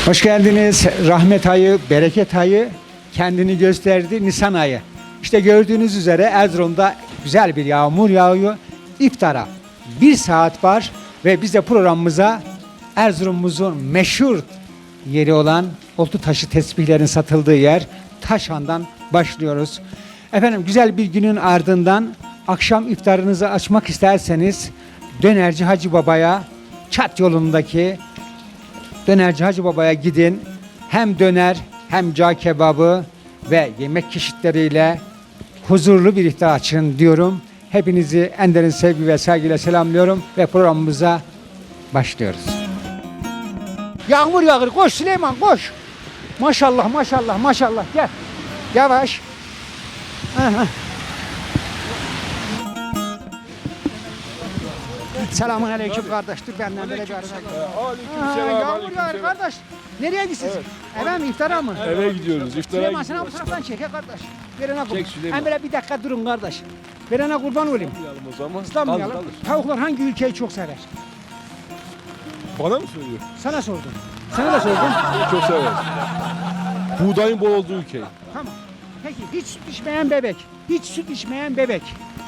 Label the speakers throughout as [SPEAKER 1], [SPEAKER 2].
[SPEAKER 1] Hoş geldiniz. Rahmet ayı, bereket ayı kendini gösterdi. Nisan ayı. İşte gördüğünüz üzere Erzurum'da güzel bir yağmur yağıyor. İftara 1 saat var ve biz de programımıza Erzurum'umuzun meşhur yeri olan oltu taşı tesbihlerin satıldığı yer Taşhan'dan başlıyoruz. Efendim güzel bir günün ardından akşam iftarınızı açmak isterseniz Dönerci Hacı Baba'ya Çat yolundaki Dönerci Hacı Baba'ya gidin. Hem döner hem cağ kebabı ve yemek çeşitleriyle huzurlu bir iftar açın diyorum. Hepinizi en derin sevgi ve saygıyla selamlıyorum ve programımıza başlıyoruz. Yağmur yağır. Koş Süleyman koş. Maşallah maşallah maşallah gel. Yavaş. Aha. Selamun aleyküm kardeş. Dur benden böyle bir arada. Yağmur yağar kardeş. Nereye gidiyorsunuz? Eve mi iftara mı?
[SPEAKER 2] Eve gidiyoruz. İftara
[SPEAKER 1] Süleyman sen
[SPEAKER 2] gidiyoruz.
[SPEAKER 1] bu taraftan çek kardeş. Verene kurban.
[SPEAKER 2] Çek Süleyman.
[SPEAKER 1] Hem böyle bir dakika durun kardeş. Verene kurban olayım.
[SPEAKER 2] Islanmayalım o zaman.
[SPEAKER 1] İslanmayalım.
[SPEAKER 2] Kalır.
[SPEAKER 1] Tavuklar hangi ülkeyi çok sever?
[SPEAKER 2] Bana mı söylüyor?
[SPEAKER 1] Sana sordum. Sana da sordum.
[SPEAKER 2] Çok sever. Buğdayın bol olduğu ülke.
[SPEAKER 1] Tamam. Peki hiç süt içmeyen bebek. Hiç süt içmeyen bebek.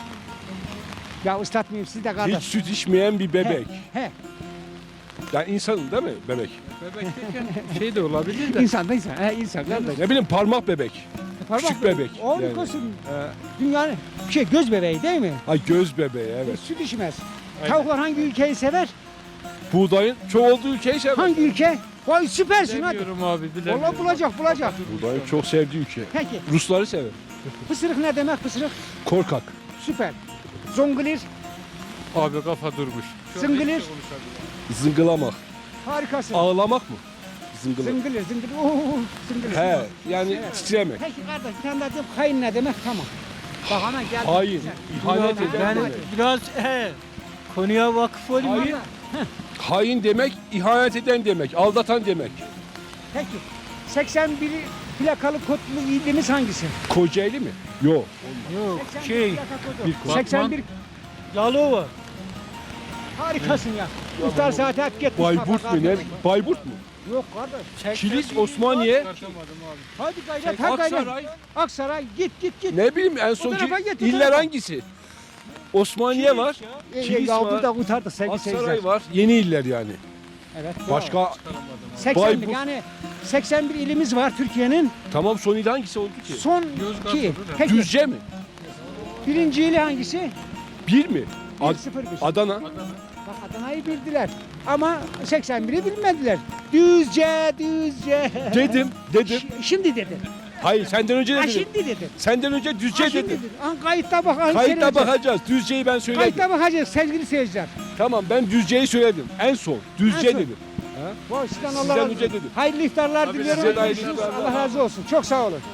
[SPEAKER 1] Ya ıslatmayayım siz de kardeş.
[SPEAKER 2] Hiç süt içmeyen bir bebek.
[SPEAKER 1] He.
[SPEAKER 2] Yani insanın değil mi bebek?
[SPEAKER 3] Bebek derken şey de olabilir de.
[SPEAKER 1] İnsan da insan. He insan kardeş.
[SPEAKER 2] Ne bileyim parmak bebek. Küçük bebek.
[SPEAKER 1] Harikasın. Dünyanın göz bebeği değil mi?
[SPEAKER 2] Ha göz bebeği evet.
[SPEAKER 1] Süt içmez.
[SPEAKER 3] Aynen.
[SPEAKER 1] Tavuklar hangi ülkeyi sever?
[SPEAKER 2] Buğdayın çok olduğu ülkeyi sever.
[SPEAKER 1] Hangi ülke? Vay süpersin hadi.
[SPEAKER 3] Bilemiyorum abi bilemiyorum.
[SPEAKER 1] Vallahi bulacak.
[SPEAKER 2] Buğdayın çok sevdiği ülke.
[SPEAKER 1] Peki
[SPEAKER 2] Rusları sever.
[SPEAKER 1] pısırık ne demek pısırık?
[SPEAKER 2] Korkak.
[SPEAKER 1] Süper. Zongulir,
[SPEAKER 3] Abi kafa durmuş. Şu an
[SPEAKER 1] Zıngılir.
[SPEAKER 3] hiç konuşamıyorum.
[SPEAKER 2] Zıngılamak.
[SPEAKER 1] harikasın.
[SPEAKER 2] Ağlamak mı? Zıngılamak.
[SPEAKER 1] Zıngılir. Oo, zıngılir.
[SPEAKER 2] He yani
[SPEAKER 1] Evet.
[SPEAKER 2] titremek.
[SPEAKER 1] Peki kardeş bir tane daha diyeyim. Kayın ne demek? Tamam. Bak hemen geldi.
[SPEAKER 2] Hain. İhanet eden
[SPEAKER 3] Ben
[SPEAKER 2] demek.
[SPEAKER 3] biraz konuya vakıf olayım.
[SPEAKER 2] Hain. Hain demek, ihanet eden demek, aldatan demek.
[SPEAKER 1] Peki 81 plakalı kodlu ilimiz hangisi?
[SPEAKER 2] Kocaeli mi? Yok.
[SPEAKER 3] Yok
[SPEAKER 1] 81
[SPEAKER 3] şey
[SPEAKER 1] plaka kodu.
[SPEAKER 2] Bir kod.
[SPEAKER 1] 81
[SPEAKER 3] Yalova.
[SPEAKER 1] harikasın ya. İftar saati hep git.
[SPEAKER 2] Bayburt
[SPEAKER 1] Mustafa
[SPEAKER 2] mu ne?
[SPEAKER 1] kardeş.
[SPEAKER 2] Bayburt mu?
[SPEAKER 1] Yok kardeş.
[SPEAKER 2] Kilis, Osmaniye.
[SPEAKER 3] Çıkartamadım abi.
[SPEAKER 1] Hadi gayret, hadi gayret.
[SPEAKER 2] Aksaray.
[SPEAKER 1] Aksaray git.
[SPEAKER 2] Ne bileyim en
[SPEAKER 1] O
[SPEAKER 2] son
[SPEAKER 1] tarafa git, o
[SPEAKER 2] iller
[SPEAKER 1] tarafa.
[SPEAKER 2] hangisi? Osmaniye var. Kilis
[SPEAKER 1] Ya
[SPEAKER 2] var.
[SPEAKER 1] burada kurtardık sevgili seyirciler.
[SPEAKER 2] Aksaray var. Yeni iller yani.
[SPEAKER 1] Evet.
[SPEAKER 2] Başka
[SPEAKER 1] 81
[SPEAKER 2] Bayburt.
[SPEAKER 1] yani 81 ilimiz var Türkiye'nin.
[SPEAKER 2] tamam son il hangisi oldu ki?
[SPEAKER 1] Son
[SPEAKER 3] Yozgat
[SPEAKER 1] 2.
[SPEAKER 3] oldu da.
[SPEAKER 1] Peki
[SPEAKER 2] Düzce mi?
[SPEAKER 1] birinci ili hangisi?
[SPEAKER 2] Bir mi?
[SPEAKER 1] 1-0-1.
[SPEAKER 2] Adana.
[SPEAKER 1] Bak Adana'yı bildiler. Ama 81'i bilmediler. Düzce.
[SPEAKER 2] Dedim.
[SPEAKER 1] Şimdi dedi.
[SPEAKER 2] Hayır senden önce
[SPEAKER 1] Ha
[SPEAKER 2] dedim.
[SPEAKER 1] şimdi dedi.
[SPEAKER 2] Senden önce
[SPEAKER 1] Ha
[SPEAKER 2] Düzce
[SPEAKER 1] şimdi
[SPEAKER 2] dedim.
[SPEAKER 1] dedi. Kayıtta bak.
[SPEAKER 2] Kayıtta
[SPEAKER 1] seyredeceğiz.
[SPEAKER 2] bakacağız. Düzce'yi ben söyledim.
[SPEAKER 1] Kayıtta bakacağız sevgili seyirciler.
[SPEAKER 2] Tamam ben Düzce'yi söyledim. En son. Düzce
[SPEAKER 1] En son.
[SPEAKER 2] dedim.
[SPEAKER 1] Vay sizden Allah
[SPEAKER 2] Sizden
[SPEAKER 1] razı
[SPEAKER 2] önce
[SPEAKER 1] olsun.
[SPEAKER 2] dedim.
[SPEAKER 1] Hayırlı iftarlar
[SPEAKER 2] Abi
[SPEAKER 1] diliyorum.
[SPEAKER 2] size de hayırlı
[SPEAKER 1] Görüşürüz.
[SPEAKER 2] iftarlar.
[SPEAKER 1] Allah razı olsun. Çok sağ olun.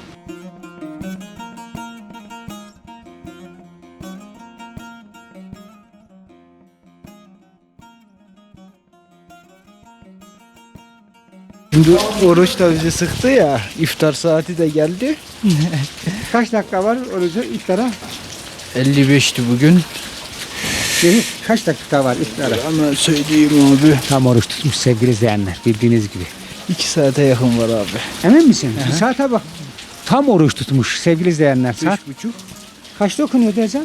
[SPEAKER 4] Şimdi oruç da bizi sıktı ya, iftar saati de geldi.
[SPEAKER 1] Kaç dakika var orucu iftara?
[SPEAKER 4] 55'ti bugün.
[SPEAKER 1] Kaç dakika var iftara?
[SPEAKER 4] Ama söyleyeyim abi,
[SPEAKER 1] Tam oruç tutmuş sevgili izleyenler bildiğiniz gibi.
[SPEAKER 4] 2 saate yakın var abi.
[SPEAKER 1] Emin misin? Bir saate bak. Tam oruç tutmuş sevgili izleyenler. Saat
[SPEAKER 4] 3.30.
[SPEAKER 1] kaçta okunuyor ezan?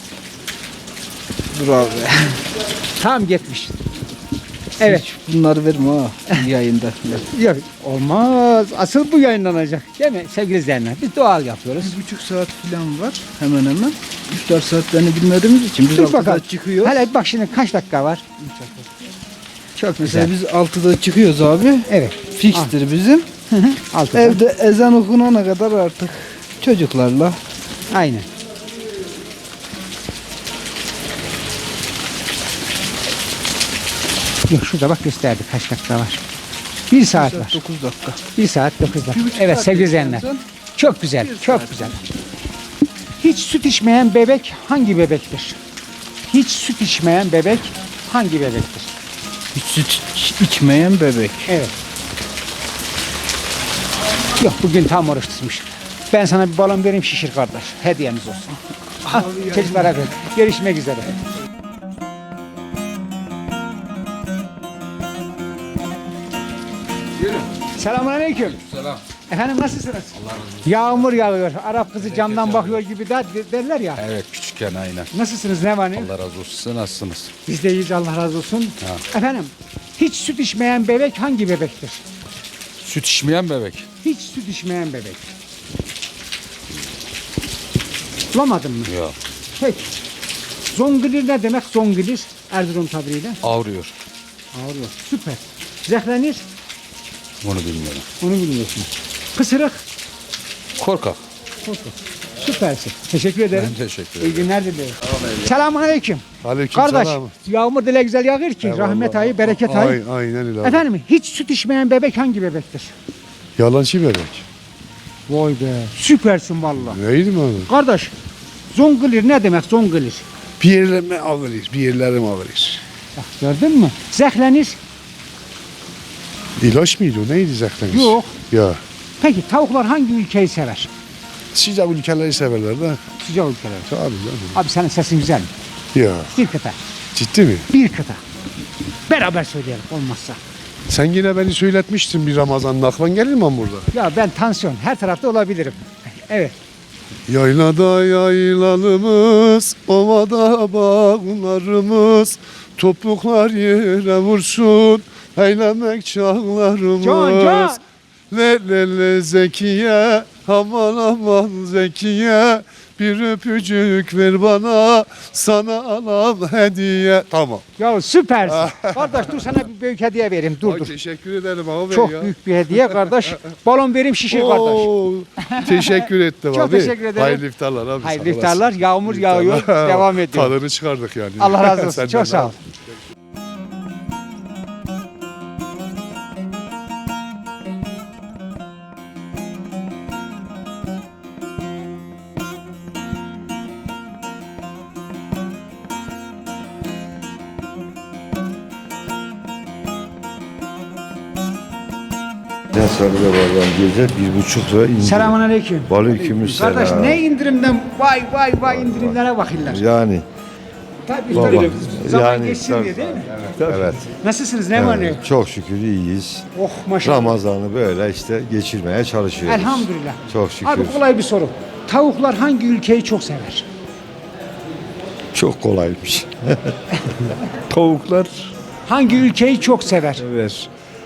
[SPEAKER 4] Dur abi.
[SPEAKER 1] Tam gitmiş. Evet.
[SPEAKER 4] Hiç bunları verme ha yayında.
[SPEAKER 1] Yok olmaz. Asıl bu yayınlanacak. Değil mi sevgili izleyenler? Biz doğal yapıyoruz.
[SPEAKER 4] 1,5 saat falan var hemen hemen. İftar saatlerini bilmediğimiz için biz
[SPEAKER 1] Dur
[SPEAKER 4] 6'da
[SPEAKER 1] bakalım.
[SPEAKER 4] çıkıyoruz.
[SPEAKER 1] Hele bak şimdi kaç dakika var? Çok
[SPEAKER 4] Mesela
[SPEAKER 1] güzel.
[SPEAKER 4] biz 6'da çıkıyoruz abi.
[SPEAKER 1] Evet.
[SPEAKER 4] Fikstir bizim.
[SPEAKER 1] Altıda.
[SPEAKER 4] Evde ezan okunana kadar artık çocuklarla.
[SPEAKER 1] Aynen. Yok şurada bak gösterdi kaç dakika var. 1 saat var.
[SPEAKER 4] 9 dakika.
[SPEAKER 1] 1 saat 9 dakika.
[SPEAKER 4] 1,5
[SPEAKER 1] Evet
[SPEAKER 4] saat
[SPEAKER 1] sevgili
[SPEAKER 4] bekliyoruz
[SPEAKER 1] izleyenler.
[SPEAKER 4] sen.
[SPEAKER 1] Çok güzel,
[SPEAKER 4] Bir
[SPEAKER 1] çok
[SPEAKER 4] saat.
[SPEAKER 1] güzel. Hiç süt içmeyen bebek hangi bebektir? Hiç süt içmeyen bebek hangi bebektir?
[SPEAKER 4] Hiç süt içmeyen bebek.
[SPEAKER 1] Evet. Yok bugün tam oruç tutmuş. Ben sana bir balon vereyim şişir kardeş. Hediyemiz olsun. Ah, çocuklara ver. Görüşmek üzere.
[SPEAKER 2] Yürü.
[SPEAKER 1] Selamünaleyküm.
[SPEAKER 2] Selam.
[SPEAKER 1] Efendim nasılsınız? Yağmur yağıyor. Arap kızı camdan bakıyor gibi derler ya.
[SPEAKER 2] Evet küçükken aynen.
[SPEAKER 1] Nasılsınız? Ne var ne? yok?
[SPEAKER 2] Allah razı olsun. Siz nasılsınız?
[SPEAKER 1] Biz de iyiyiz. Allah razı olsun. Efendim hiç süt içmeyen bebek hangi bebektir?
[SPEAKER 2] Süt içmeyen bebek.
[SPEAKER 1] Hiç süt içmeyen bebek. Bulamadın mı?
[SPEAKER 2] Yok.
[SPEAKER 1] Peki. Zongilir ne demek? Zongilir. Erzurum tabiriyle.
[SPEAKER 2] Ağrıyor.
[SPEAKER 1] Ağrıyor. Süper. Zehlenir.
[SPEAKER 2] Bunu bilmiyorum.
[SPEAKER 1] Onu bilmiyorsun. Pısırık.
[SPEAKER 2] Korkak.
[SPEAKER 1] Süpersin. Teşekkür ederim.
[SPEAKER 2] Ben teşekkür
[SPEAKER 1] İyi
[SPEAKER 2] ederim.
[SPEAKER 1] günler dilerim. Selamünaleyküm. Kardeş,
[SPEAKER 5] Aleykümselam.
[SPEAKER 1] yağmur dile güzel yağır ki rahmet ayı, bereket ayı.
[SPEAKER 5] Aynen öyle. abi.
[SPEAKER 1] Efendim hiç süt içmeyen bebek hangi bebektir?
[SPEAKER 5] Yalancı bebek.
[SPEAKER 1] Vay be. Süpersin vallahi.
[SPEAKER 5] Neydi mi abi?
[SPEAKER 1] Kardeş, zongilir ne demek zongilir?
[SPEAKER 5] Bir yerlerime alırız, bir yerlerime alırız.
[SPEAKER 1] Bak gördün mü? Zehlenir.
[SPEAKER 5] İlaç mıydı o? Neydi zaten?
[SPEAKER 1] Yok.
[SPEAKER 5] Ya.
[SPEAKER 1] Peki tavuklar hangi ülkeyi sever?
[SPEAKER 5] Sıcak ülkeleri severler de.
[SPEAKER 1] Sıcak ülkeleri.
[SPEAKER 5] Tabii canım.
[SPEAKER 1] Abi senin sesin güzel mi?
[SPEAKER 5] Ya.
[SPEAKER 1] Bir kıta.
[SPEAKER 5] Ciddi mi?
[SPEAKER 1] Bir kıta. Beraber söyleyelim olmazsa.
[SPEAKER 5] Sen yine beni söyletmiştin bir Ramazan'ın aklın gelir mi burada?
[SPEAKER 1] Ya ben tansiyon her tarafta olabilirim. Evet.
[SPEAKER 5] Yaylada yaylalımız, ovada bağlarımız, topuklar yere vursun, eylemek çağlarımız.
[SPEAKER 1] Can.
[SPEAKER 5] Le le le Zekiye, aman aman Zekiye, bir öpücük ver bana, sana alam hediye. Tamam.
[SPEAKER 1] Ya süpersin. Kardeş dur sana bir büyük hediye vereyim. Dur
[SPEAKER 5] Ay,
[SPEAKER 1] dur.
[SPEAKER 5] teşekkür ederim abi
[SPEAKER 1] Çok
[SPEAKER 5] ya.
[SPEAKER 1] büyük bir hediye kardeş. Balon vereyim şişir kardeş.
[SPEAKER 5] Oo, teşekkür ettim
[SPEAKER 1] Çok
[SPEAKER 5] abi.
[SPEAKER 1] teşekkür ederim.
[SPEAKER 5] Hayırlı iftarlar abi.
[SPEAKER 1] Hayırlı
[SPEAKER 5] sağ olasın.
[SPEAKER 1] iftarlar. Yağmur yağıyor.
[SPEAKER 5] İftarlar.
[SPEAKER 1] Devam ediyor.
[SPEAKER 5] Tadını çıkardık yani.
[SPEAKER 1] Allah razı olsun.
[SPEAKER 5] Senden
[SPEAKER 1] Çok
[SPEAKER 5] de.
[SPEAKER 1] sağ ol.
[SPEAKER 6] Ne sarıda vardan gece 1,5 lira indirim.
[SPEAKER 1] Selamünaleyküm.
[SPEAKER 6] Aleykümselam.
[SPEAKER 1] Kardeş ne indirimden vay indirimlere bakırlar.
[SPEAKER 6] Yani
[SPEAKER 1] Tabii
[SPEAKER 6] baba,
[SPEAKER 1] tabii. Zaman
[SPEAKER 6] yani
[SPEAKER 1] geçsin
[SPEAKER 6] tabii.
[SPEAKER 1] diye değil mi?
[SPEAKER 6] evet.
[SPEAKER 1] Nasılsınız? Ne var ne yok?
[SPEAKER 6] Evet, çok şükür iyiyiz.
[SPEAKER 1] Oh maşallah.
[SPEAKER 6] Ramazan'ı böyle işte geçirmeye çalışıyoruz.
[SPEAKER 1] Elhamdülillah.
[SPEAKER 6] Çok şükür.
[SPEAKER 1] Abi kolay bir soru. Tavuklar hangi ülkeyi çok sever?
[SPEAKER 6] Çok kolaymış.
[SPEAKER 4] Tavuklar
[SPEAKER 1] Hangi ülkeyi çok sever?
[SPEAKER 4] sever.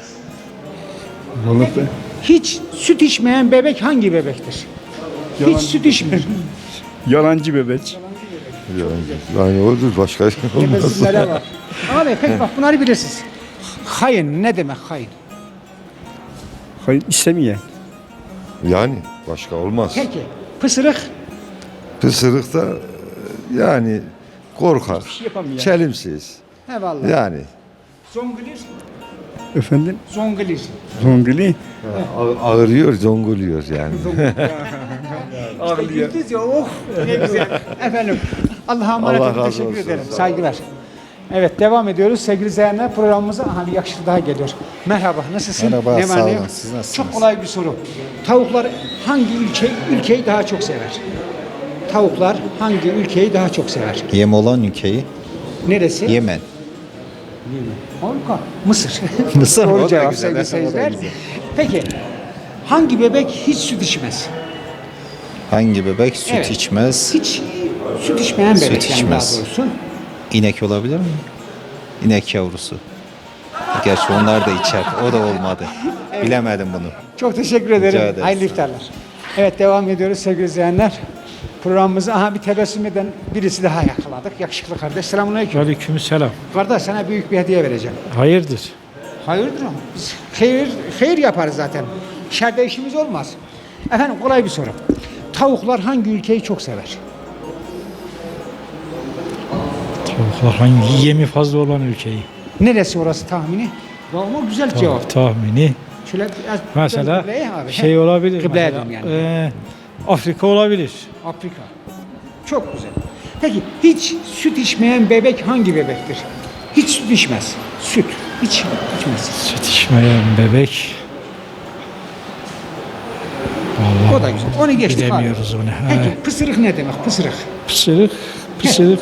[SPEAKER 1] Hiç süt içmeyen bebek hangi bebektir? Hiç süt içmiyor.
[SPEAKER 4] Yalancı bebek.
[SPEAKER 6] Yani odur başka olmaz.
[SPEAKER 1] Tepesizlere bak. Abi peki bak bunları bilirsiniz. Hayın ne demek hayın?
[SPEAKER 4] Hayır istemeyen.
[SPEAKER 6] Yani başka olmaz.
[SPEAKER 1] Peki pısırık
[SPEAKER 6] Pısırık da yani korkak,
[SPEAKER 4] yapamayan.
[SPEAKER 6] çelimsiz.
[SPEAKER 1] eyvallah.
[SPEAKER 6] Yani
[SPEAKER 1] Zongilir,
[SPEAKER 4] Efendim
[SPEAKER 1] zongilir.
[SPEAKER 4] Zonguli.
[SPEAKER 6] ağırıyor, zonguluyor yani.
[SPEAKER 1] İşte güldünüz ya oh ne güzel. Efendim Allah'a emanet
[SPEAKER 6] Allah
[SPEAKER 1] olun
[SPEAKER 6] razı
[SPEAKER 1] teşekkür
[SPEAKER 6] olsun.
[SPEAKER 1] ederim.
[SPEAKER 6] Sağ olun.
[SPEAKER 1] Saygılar. Evet devam ediyoruz sevgili izleyenler programımıza aha bir yakışıklı daha geliyor. Merhaba nasılsın?
[SPEAKER 7] Merhaba,
[SPEAKER 1] Ne var,
[SPEAKER 7] sağ
[SPEAKER 1] ne
[SPEAKER 7] olun.
[SPEAKER 1] yok?
[SPEAKER 7] Siz nasılsınız?
[SPEAKER 1] Çok kolay bir soru. Tavuklar hangi ülkeyi daha çok sever? Tavuklar hangi ülkeyi daha çok sever?
[SPEAKER 7] Yem olan ülkeyi
[SPEAKER 1] Neresi?
[SPEAKER 7] Yemen.
[SPEAKER 1] Harika. Mısır.
[SPEAKER 7] Mısır, o
[SPEAKER 1] Doğru
[SPEAKER 7] da
[SPEAKER 1] cevap
[SPEAKER 7] güzel,
[SPEAKER 1] sevgili
[SPEAKER 7] o da
[SPEAKER 1] seyirciler.
[SPEAKER 7] güzel.
[SPEAKER 1] Peki hangi bebek hiç süt içmez?
[SPEAKER 7] Hangi bebek süt
[SPEAKER 1] Evet.
[SPEAKER 7] içmez?
[SPEAKER 1] Hiç süt içmeyen bebek
[SPEAKER 7] Süt
[SPEAKER 1] yani
[SPEAKER 7] içmez.
[SPEAKER 1] daha doğrusu.
[SPEAKER 7] İnek olabilir mi? İnek yavrusu. Gerçi onlar da içer. O da olmadı. Bilemedim bunu.
[SPEAKER 1] Çok teşekkür ederim.
[SPEAKER 7] ederiz.
[SPEAKER 1] Hayırlı iftarlar. Evet devam ediyoruz sevgili izleyenler. Programımızı aha bir tebessüm eden birisi daha yakaladık. Yakışıklı kardeş. Selamünaleyküm.
[SPEAKER 3] Aleykümselam.
[SPEAKER 1] Kardeş sana büyük bir hediye vereceğim.
[SPEAKER 3] Hayırdır?
[SPEAKER 1] Hayırdır ama biz hayır yaparız zaten. Şerde işimiz olmaz. Efendim kolay bir soru. Tavuklar hangi ülkeyi çok sever?
[SPEAKER 3] Tavuklar hangi yemi fazla olan ülkeyi?
[SPEAKER 1] Neresi orası tahmini? Ama güzel cevap.
[SPEAKER 3] Tahmini.
[SPEAKER 1] Şöyle biraz
[SPEAKER 3] Mesela
[SPEAKER 1] kıbleye abi.
[SPEAKER 3] şey olabilir.
[SPEAKER 1] Kıbleye
[SPEAKER 3] mesela,
[SPEAKER 1] dön yani.
[SPEAKER 3] Afrika olabilir.
[SPEAKER 1] Afrika. Çok güzel. Peki hiç süt içmeyen bebek hangi bebektir? Hiç süt içmez. Süt. Hiç içmez.
[SPEAKER 3] Süt içmeyen bebek. Vallahi
[SPEAKER 1] O da güzel. Onu geçtik abi.
[SPEAKER 3] bilemiyoruz onu.
[SPEAKER 1] Peki pısırık ne demek? Pısırık.
[SPEAKER 3] Pısırık.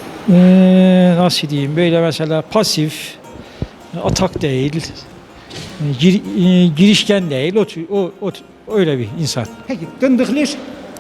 [SPEAKER 3] Nasıl diyeyim? Böyle mesela pasif, atak değil. girişken değil, öyle bir insan.
[SPEAKER 1] Peki Dındıklir?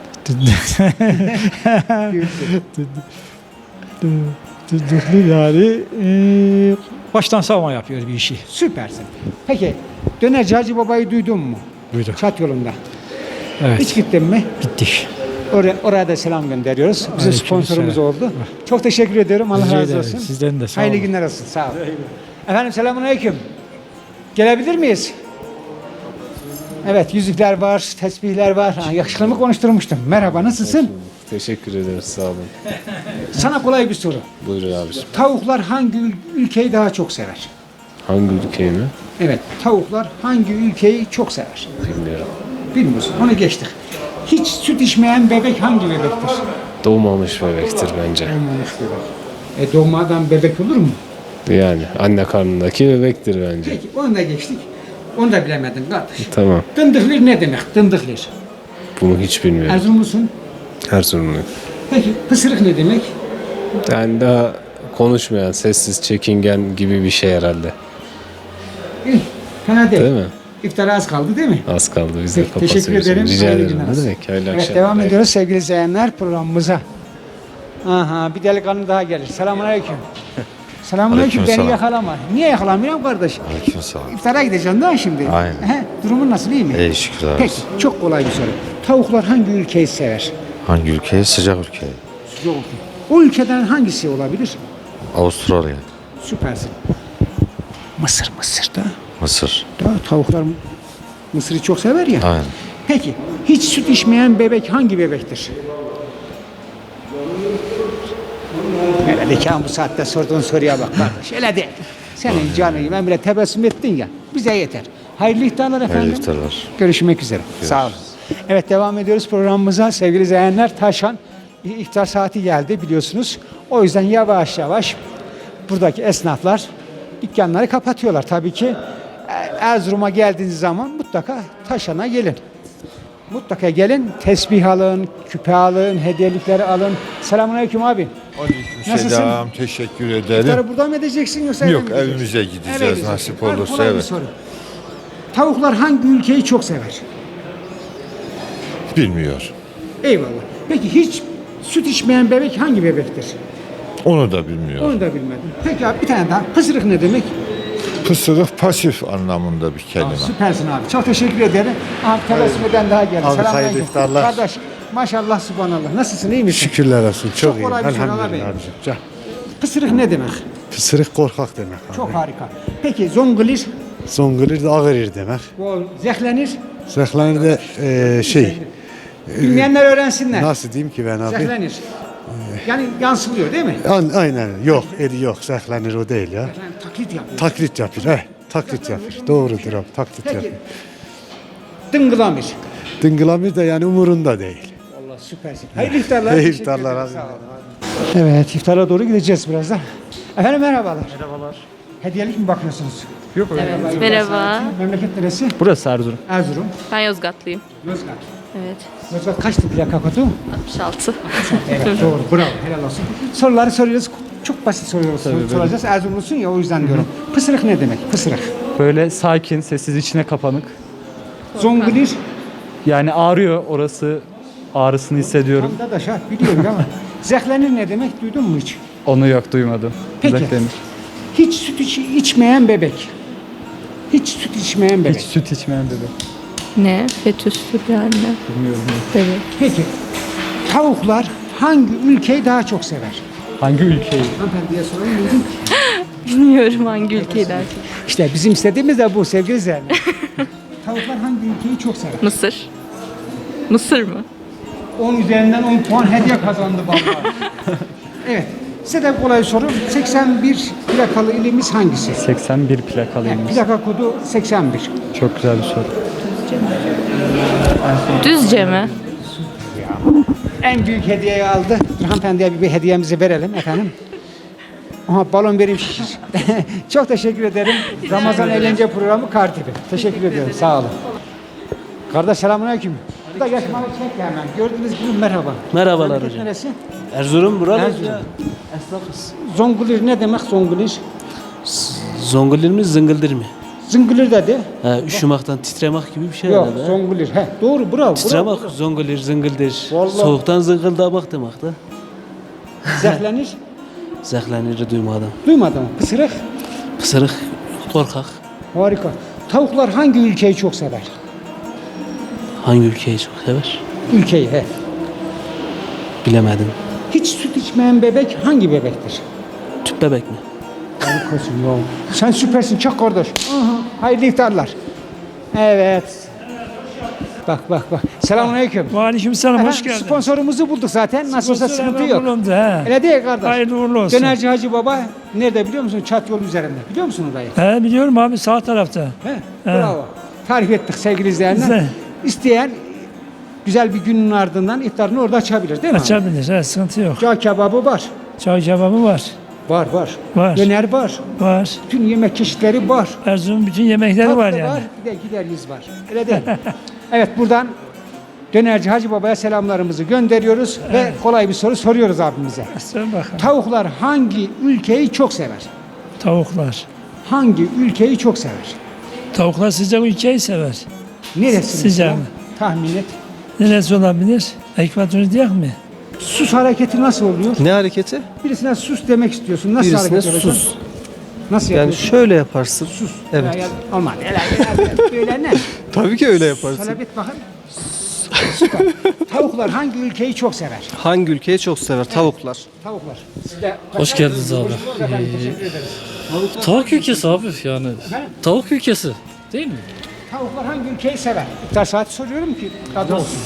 [SPEAKER 3] Yani baştan savma yapıyor bir işi.
[SPEAKER 1] Süpersin. Peki Dönerci Hacı Baba'yı duydun mu?
[SPEAKER 3] Duydum.
[SPEAKER 1] Çat yolunda.
[SPEAKER 3] Evet.
[SPEAKER 1] Hiç gittin mi?
[SPEAKER 3] Gittik.
[SPEAKER 1] Oraya da selam gönderiyoruz. Bizim
[SPEAKER 3] Aleyküm
[SPEAKER 1] sponsorumuz
[SPEAKER 3] selam.
[SPEAKER 1] oldu. Çok teşekkür ediyorum. Allah
[SPEAKER 3] Rica
[SPEAKER 1] razı
[SPEAKER 3] ederim.
[SPEAKER 1] olsun.
[SPEAKER 3] Sizden de sağ
[SPEAKER 1] Hayırlı
[SPEAKER 3] olun.
[SPEAKER 1] günler olsun. Sağ olun. Efendim selamünaleyküm. Gelebilir miyiz? Evet yüzükler var, tesbihler var. Ha, yakışıklı konuşturmuştum. Merhaba nasılsın?
[SPEAKER 8] Teşekkür ederiz, sağ olun.
[SPEAKER 1] Sana kolay bir soru.
[SPEAKER 8] Buyurun abiciğim.
[SPEAKER 1] Tavuklar hangi ülkeyi daha çok sever?
[SPEAKER 8] Hangi ülkeyi mi?
[SPEAKER 1] Evet, tavuklar hangi ülkeyi çok sever?
[SPEAKER 8] Bilmiyorum.
[SPEAKER 1] Bilmiyorsun, onu geçtik. Hiç süt içmeyen bebek hangi bebektir?
[SPEAKER 8] Doğmamış bebektir bence.
[SPEAKER 1] Doğmamış bebek. Doğmadan bebek olur mu?
[SPEAKER 8] Yani anne karnındaki bebektir bence.
[SPEAKER 1] Peki, onu da geçtik. Onu da bilemedin kardeş.
[SPEAKER 8] Tamam.
[SPEAKER 1] Dındıklir ne demek? Dındıklir.
[SPEAKER 8] Bunu hiç bilmiyorum.
[SPEAKER 1] Erzurumlusun.
[SPEAKER 8] Erzurumlu.
[SPEAKER 1] Peki, pısırık ne demek?
[SPEAKER 8] Yani daha konuşmayan, sessiz, çekingen gibi bir şey herhalde.
[SPEAKER 1] İyi, fena değil.
[SPEAKER 8] Değil mi?
[SPEAKER 1] İftara az kaldı değil mi?
[SPEAKER 8] Az kaldı, biz de
[SPEAKER 1] Peki, teşekkür
[SPEAKER 8] kapatıyoruz.
[SPEAKER 1] ederim.
[SPEAKER 8] Rica
[SPEAKER 1] Hayırlı
[SPEAKER 8] ederim.
[SPEAKER 1] günler
[SPEAKER 8] Ne
[SPEAKER 1] olsun.
[SPEAKER 8] demek? Hayırlı
[SPEAKER 1] Evet,
[SPEAKER 8] akşamlar.
[SPEAKER 1] devam ediyoruz sevgili izleyenler programımıza. Aha, bir delikanlı daha gelir. Selamünaleyküm. Selamünaleyküm. Beni
[SPEAKER 6] Aleykümselam.
[SPEAKER 1] yakalama. Niye yakalamıyorum kardeş?
[SPEAKER 6] Aleykümselam.
[SPEAKER 1] İftara gideceksin daha şimdi.
[SPEAKER 6] Aynen.
[SPEAKER 1] He, durumun nasıl, iyi mi?
[SPEAKER 6] İyi şükürler
[SPEAKER 1] Peki,
[SPEAKER 6] olsun.
[SPEAKER 1] çok kolay bir soru. Tavuklar hangi ülkeyi sever?
[SPEAKER 6] Hangi ülkeyi? Sıcak ülkeyi.
[SPEAKER 1] Yok. O ülkeden hangisi olabilir?
[SPEAKER 6] Avustralya,
[SPEAKER 1] Süpersin. Mısır'da.
[SPEAKER 6] Mısır.
[SPEAKER 1] Da tavuklar Mısır'ı çok sever ya.
[SPEAKER 6] Aynen.
[SPEAKER 1] Peki, hiç süt içmeyen bebek hangi bebektir? Öyle ki bu saatte sorduğun soruya bak kardeş. Öyle değil. Senin canını ben bile tebessüm ettin ya. Bize yeter. Hayırlı iftarlar efendim.
[SPEAKER 6] Hayırlı iftarlar.
[SPEAKER 1] Görüşmek üzere. Sağ olun. Evet devam ediyoruz programımıza. Sevgili izleyenler Taşan iftar saati geldi biliyorsunuz. O yüzden yavaş yavaş buradaki esnaflar dükkanları kapatıyorlar. Tabii ki Erzurum'a geldiğiniz zaman mutlaka Taşan'a gelin. Mutlaka gelin, tesbih alın, küpe alın, hediyelikleri alın. Selamünaleyküm abi. Nasılsın?
[SPEAKER 9] Selam, teşekkür ederim.
[SPEAKER 1] İftarı burada mı edeceksin yoksa
[SPEAKER 9] Yok,
[SPEAKER 1] eve mi gideceksin?
[SPEAKER 9] evimize gideceğiz,
[SPEAKER 1] Eve gideceksin.
[SPEAKER 9] nasip
[SPEAKER 1] Hadi,
[SPEAKER 9] olursa,
[SPEAKER 1] kolay bir
[SPEAKER 9] evet.
[SPEAKER 1] soru. Tavuklar hangi ülkeyi çok sever?
[SPEAKER 9] Bilmiyor.
[SPEAKER 1] Eyvallah. Peki hiç süt içmeyen bebek hangi bebektir?
[SPEAKER 9] Onu da bilmiyor.
[SPEAKER 1] Onu da bilmedim. Peki abi bir tane daha. Pısırık ne demek?
[SPEAKER 9] Pısırık pasif anlamında bir kelime.
[SPEAKER 1] Süpersin abi. Çok teşekkür ederim. Abi tebessüm eden daha geldi.
[SPEAKER 4] Abi,
[SPEAKER 1] Selamünaleyküm.
[SPEAKER 4] hayırlı iftarlar.
[SPEAKER 1] Kardeş maşallah subhanallah. Nasılsın, iyi misin?
[SPEAKER 4] Şükürler olsun. Çok iyi.
[SPEAKER 1] kolay bir soru
[SPEAKER 4] Elhamdülillah
[SPEAKER 1] abi.
[SPEAKER 4] abicim. Can.
[SPEAKER 1] Pısırık ne demek?
[SPEAKER 4] Pısırık korkak demek abi.
[SPEAKER 1] Çok harika. Peki zongulir,
[SPEAKER 4] Zongulir de ağır demek.
[SPEAKER 1] bu zehlenir.
[SPEAKER 4] Zehlenir de
[SPEAKER 1] Bilmeyenler öğrensinler.
[SPEAKER 4] nasıl diyeyim ki ben abi?
[SPEAKER 1] Zehlenir. Yani yansılıyor değil mi?
[SPEAKER 4] Aynen. Yok, yok. Zehlenir o değil ya.
[SPEAKER 1] Yani taklit yapıyor.
[SPEAKER 4] Taklit yapıyor. Taklit yapıyor. Doğrudur abi. Taklit
[SPEAKER 1] Peki.
[SPEAKER 4] yapıyor.
[SPEAKER 1] Dıngılamir.
[SPEAKER 4] Dıngılamir de yani umurunda değil.
[SPEAKER 1] Allah süpersin. Hayırlı iftarlar.
[SPEAKER 4] İyi
[SPEAKER 1] Teşekkür
[SPEAKER 4] iftarlar
[SPEAKER 1] ederim.
[SPEAKER 4] abi.
[SPEAKER 1] Sağ olun. Evet iftara doğru gideceğiz birazdan. Efendim merhabalar. Merhabalar. Hediyelik mi bakıyorsunuz?
[SPEAKER 10] Evet, merhaba.
[SPEAKER 1] Memleket neresi?
[SPEAKER 10] Burası Erzurum.
[SPEAKER 1] Erzurum.
[SPEAKER 10] Ben Yozgatlıyım.
[SPEAKER 1] Yozgat.
[SPEAKER 10] Evet.
[SPEAKER 1] Yozgat kaçtı plaka kodu?
[SPEAKER 10] 66.
[SPEAKER 1] Evet doğru. Bravo. Helal olsun. Soruları soruyoruz. Çok basit soruyoruz. Soracağız. Erzurumlusun ya o yüzden diyorum. Pısırık ne demek? Pısırık.
[SPEAKER 10] Böyle sakin, sessiz, içine kapanık.
[SPEAKER 1] Zongulir.
[SPEAKER 10] Yani ağrıyor orası. Ağrısını hissediyorum.
[SPEAKER 1] Tam da şart biliyorum ama. Zehlenir ne demek? Duydun mu hiç?
[SPEAKER 10] Onu yok, duymadım.
[SPEAKER 1] Peki.
[SPEAKER 10] Zehlenir.
[SPEAKER 1] Hiç süt içmeyen bebek. Hiç süt içmeyen bebek.
[SPEAKER 10] Hiç süt içmeyen bebek.
[SPEAKER 11] Ne? Fetüstür yani.
[SPEAKER 10] Bilmiyorum.
[SPEAKER 11] Evet.
[SPEAKER 1] Peki tavuklar hangi ülkeyi daha çok sever?
[SPEAKER 10] Hangi ülkeyi?
[SPEAKER 1] Hanımefendiye sorayım mıydım?
[SPEAKER 11] Bilmiyorum hangi ülkeyi daha çok.
[SPEAKER 1] İşte bizim istediğimiz de bu sevgili izleyenler. Tavuklar hangi ülkeyi çok sever?
[SPEAKER 11] Mısır. Mısır mı?
[SPEAKER 1] 10 üzerinden 10 puan hediye kazandı vallahi. Evet. Size de kolay soru. 81 plakalı ilimiz hangisi?
[SPEAKER 10] 81 plakalıymış.
[SPEAKER 1] Plaka kodu 81.
[SPEAKER 10] Çok güzel bir soru.
[SPEAKER 11] Düzce mi?
[SPEAKER 1] En büyük hediyeyi aldı. Hanımefendiye bir hediyemizi verelim efendim. Aha balon vereyim şişir. Çok teşekkür ederim. Ramazan eğlence programı Kartibi. Teşekkür ediyorum. Sağ olun. Kardeş selamünaleyküm. Bu da yaşmalı çek hemen. Gördüğünüz gibi merhaba.
[SPEAKER 12] Merhabalar
[SPEAKER 1] Memleket
[SPEAKER 12] hocam.
[SPEAKER 1] Neresi?
[SPEAKER 12] Erzurum buralı
[SPEAKER 1] Erzurum.
[SPEAKER 12] ya. Esnafız.
[SPEAKER 1] Zongulir ne demek zongulir?
[SPEAKER 12] Zongulir mi zıngıldır mı?
[SPEAKER 1] Zıngılır dedi.
[SPEAKER 10] Üşümekten titremek gibi bir şey
[SPEAKER 1] Yok,
[SPEAKER 10] herhalde.
[SPEAKER 1] zongulur. He, doğru, bravo.
[SPEAKER 10] Titremek, zongulur, zıngıldır.
[SPEAKER 1] Vallahi.
[SPEAKER 10] Soğuktan zıngıldamak demek de.
[SPEAKER 1] Zehlenir.
[SPEAKER 10] Zehleniri duymadım.
[SPEAKER 1] Duymadın mı? Pısırık.
[SPEAKER 10] Pısırık, korkak.
[SPEAKER 1] Harika. Tavuklar hangi ülkeyi çok sever?
[SPEAKER 10] Hangi ülkeyi çok sever?
[SPEAKER 1] Ülkeyi, he.
[SPEAKER 10] Bilemedim.
[SPEAKER 1] Hiç süt içmeyen bebek hangi bebektir?
[SPEAKER 10] Tüp bebek mi?
[SPEAKER 1] Harikasın ya. Sen süpersin, çok kardeş. Aha, hayırlı iftarlar. Evet. Bak. Selamünaleyküm.
[SPEAKER 3] Aleykümselam, hoş
[SPEAKER 1] Efendim,
[SPEAKER 3] geldin.
[SPEAKER 1] sponsorumuzu bulduk zaten. Nasıl olsa
[SPEAKER 3] Sponsor
[SPEAKER 1] sıkıntı
[SPEAKER 3] hemen
[SPEAKER 1] yok.
[SPEAKER 3] bulundu, he.
[SPEAKER 1] Öyle değil kardeş.
[SPEAKER 3] Hayırlı uğurlu olsun.
[SPEAKER 1] Dönerci Hacı Baba nerede biliyor musun? Çat yolu üzerinde. Biliyor musun orayı?
[SPEAKER 3] He, biliyorum abi, sağ tarafta.
[SPEAKER 1] He? Bravo. Tarif ettik sevgili izleyenler.
[SPEAKER 3] Güzel.
[SPEAKER 1] İsteyen güzel bir günün ardından iftarını orada açabilir değil mi?
[SPEAKER 3] Açabilir, he, sıkıntı yok.
[SPEAKER 1] Cağ kebabı var.
[SPEAKER 3] Çay kebabı var.
[SPEAKER 1] Var.
[SPEAKER 3] Var.
[SPEAKER 1] Döner var.
[SPEAKER 3] Var.
[SPEAKER 1] Bütün yemek çeşitleri var.
[SPEAKER 3] Erzurum'un bütün yemekleri var
[SPEAKER 1] Tatlı
[SPEAKER 3] yani.
[SPEAKER 1] var. Bir de gideriz var. Öyle değil. Evet, buradan Dönerci Hacı Baba'ya selamlarımızı gönderiyoruz ve kolay bir soru soruyoruz abimize.
[SPEAKER 3] Söyle bakalım.
[SPEAKER 1] Tavuklar hangi ülkeyi çok sever?
[SPEAKER 3] Tavuklar.
[SPEAKER 1] Hangi ülkeyi çok sever?
[SPEAKER 3] Tavuklar sıcak ülkeyi sever.
[SPEAKER 1] Neresi?
[SPEAKER 3] Sıcak
[SPEAKER 1] mesela?
[SPEAKER 3] mı?
[SPEAKER 1] Tahmin et.
[SPEAKER 3] Neresi olabilir? Ekvator diye mi?
[SPEAKER 1] Sus hareketi nasıl oluyor?
[SPEAKER 12] Ne hareketi?
[SPEAKER 1] Birisine sus demek istiyorsun. Nasıl
[SPEAKER 12] Birisine
[SPEAKER 1] hareket yapacaksın?
[SPEAKER 12] sus.
[SPEAKER 1] Nasıl
[SPEAKER 12] Yani
[SPEAKER 1] yapıyorsun?
[SPEAKER 12] şöyle yaparsın.
[SPEAKER 1] Sus.
[SPEAKER 12] Evet.
[SPEAKER 1] Olmaz. Böyle ne?
[SPEAKER 12] Tabii ki öyle yaparsın.
[SPEAKER 1] Söyle bir bakın. Süper. Tavuklar hangi ülkeyi çok sever?
[SPEAKER 12] Hangi ülkeyi çok sever? Tavuklar.
[SPEAKER 1] Tavuklar. Siz de
[SPEAKER 3] Hoş geldiniz abi.
[SPEAKER 1] Efendim, teşekkür ederiz.
[SPEAKER 3] Tavuk ülkesi abi yani. Tavuk ülkesi değil mi?
[SPEAKER 1] Tavuklar hangi ülkeyi sever? İftar saati soruyorum ki tadı olsun.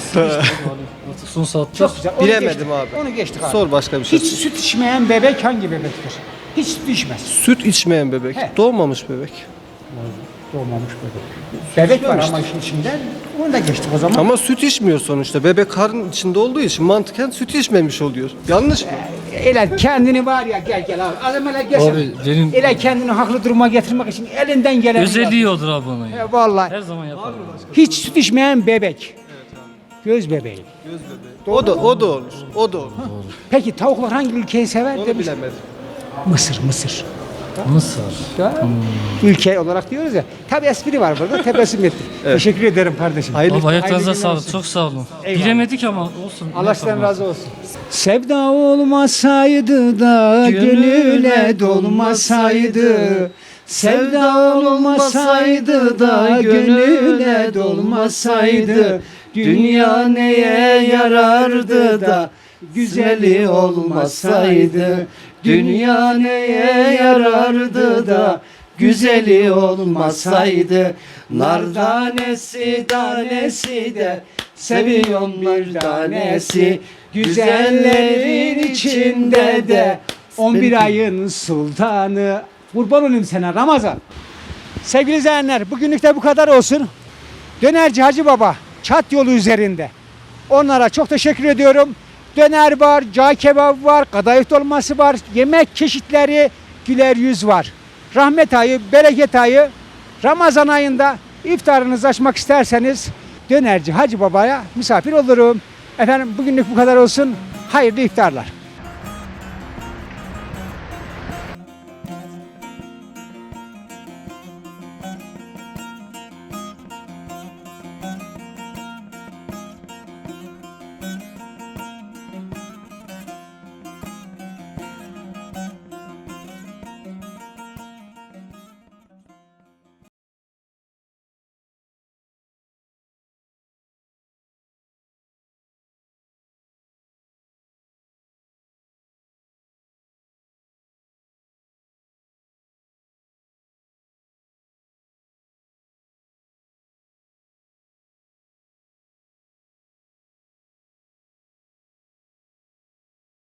[SPEAKER 3] Son saatte.
[SPEAKER 1] Çok güzel. Onu
[SPEAKER 12] Bilemedim
[SPEAKER 1] geçtik.
[SPEAKER 12] abi.
[SPEAKER 1] Onu geçtik abi.
[SPEAKER 12] Sor başka bir şey.
[SPEAKER 1] Hiç süt içmeyen bebek hangi bebektir? Hiç süt içmez.
[SPEAKER 12] Süt içmeyen bebek.
[SPEAKER 1] He.
[SPEAKER 12] Doğmamış bebek.
[SPEAKER 1] Doğmamış bebek. Bebek var ama işin içinde. Onu da geçtik o zaman.
[SPEAKER 12] Ama süt içmiyor sonuçta. Bebek karnın içinde olduğu için mantıken süt içmemiş oluyor. Yanlış mı?
[SPEAKER 1] Ele kendini var ya gel abi. Adam hele gel.
[SPEAKER 3] Abi benim
[SPEAKER 1] Ele kendini haklı duruma getirmek için elinden gelen.
[SPEAKER 3] özelliği odur abi onun.
[SPEAKER 1] Ya. Vallahi.
[SPEAKER 3] Her zaman yaparım.
[SPEAKER 1] Hiç süt içmeyen bebek. Göz bebeği.
[SPEAKER 12] O da olur. O da olur.
[SPEAKER 1] Peki tavuklar hangi ülkeyi sever
[SPEAKER 12] Onu
[SPEAKER 1] demiş.
[SPEAKER 12] bilemedim.
[SPEAKER 1] Mısır.
[SPEAKER 3] Mısır.
[SPEAKER 1] Ya, ülke olarak diyoruz ya. Tabi espri var burada. Tebessüm ettik. Teşekkür ederim kardeşim.
[SPEAKER 12] Hayırlı
[SPEAKER 3] Abi ayaklarınıza
[SPEAKER 1] Hayırlı günler
[SPEAKER 3] sağlık.
[SPEAKER 1] olsun.
[SPEAKER 3] Çok sağ olun.
[SPEAKER 1] Eyvallah.
[SPEAKER 3] Bilemedik ama olsun.
[SPEAKER 1] Allah sizden razı olsun. Sevda olmasaydı da gönüle dolmasaydı. Sevda olmasaydı da gönüle dolmasaydı. Dünya neye yarardı da güzeli olmasaydı. Dünya neye yarardı da güzeli olmasaydı. Nar tanesi tanesi de seviyorum bir tanesi. Güzellerin içinde de 11 ayın sultanı. Kurban olayım sana Ramazan. Sevgili izleyenler, bugünlük de bu kadar olsun. Dönerci Hacı Baba Çat yolu üzerinde. Onlara çok teşekkür ediyorum. Döner var, cağ kebabı var, kadayıf dolması var, yemek çeşitleri, güler yüz var. Rahmet ayı, bereket ayı, Ramazan ayında iftarınızı açmak isterseniz Dönerci Hacı Baba'ya misafir olurum. Efendim bugünlük bu kadar olsun. Hayırlı iftarlar.